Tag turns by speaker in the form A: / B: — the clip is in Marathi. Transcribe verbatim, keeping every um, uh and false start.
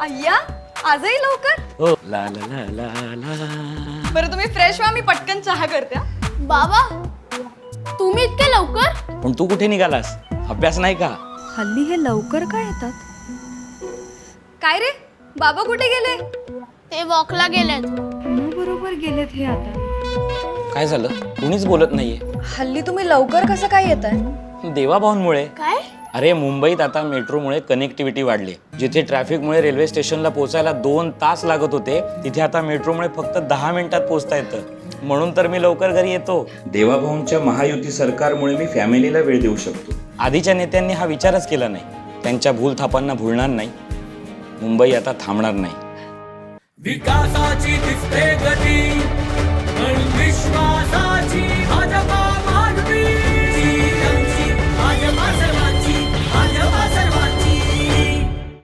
A: अय्या आजही लवकर?
B: हो ला ला ला ला ला.
A: बरं तुम्ही फ्रेश व्हा, मी पटकन चहा करते.
C: बाबा तुम्ही इतके लवकर?
B: पण तू कुठे निघालास? अभ्यास नाही का?
A: हल्ली हे लवकर काय येतात? काय रे बाबा कुठे गेले?
C: ते वॉकला गेलेत.
A: बरोबर गेलेत हे आता.
B: काय झालं? कुणीच बोलत नाहीये.
A: हल्ली तुम्ही लवकर कसं काय येताय?
B: देवाभाऊंमुळे.
C: काय?
B: अरे मुंबईत आता मेट्रोमुळे कनेक्टिव्हिटी वाढली. जिथे ट्रॅफिकमुळे रेल्वे स्टेशनला पोहोचायला दोन तास लागत होते, तिथे आता मेट्रोमुळे फक्त दहा मिनिटात पोहोचता येतं. म्हणून तर मी लवकर घरी येतो. देवाभाऊंच्या महायुती सरकारमुळे मी फॅमिलीला वेळ देऊ शकतो. आधीच्या नेत्यांनी हा विचारच केला नाही. त्यांच्या भूलथापांना भुलणार नाही. मुंबई आता थांबणार नाही.
D: विकासाची दिसते गती, पण विश्वासा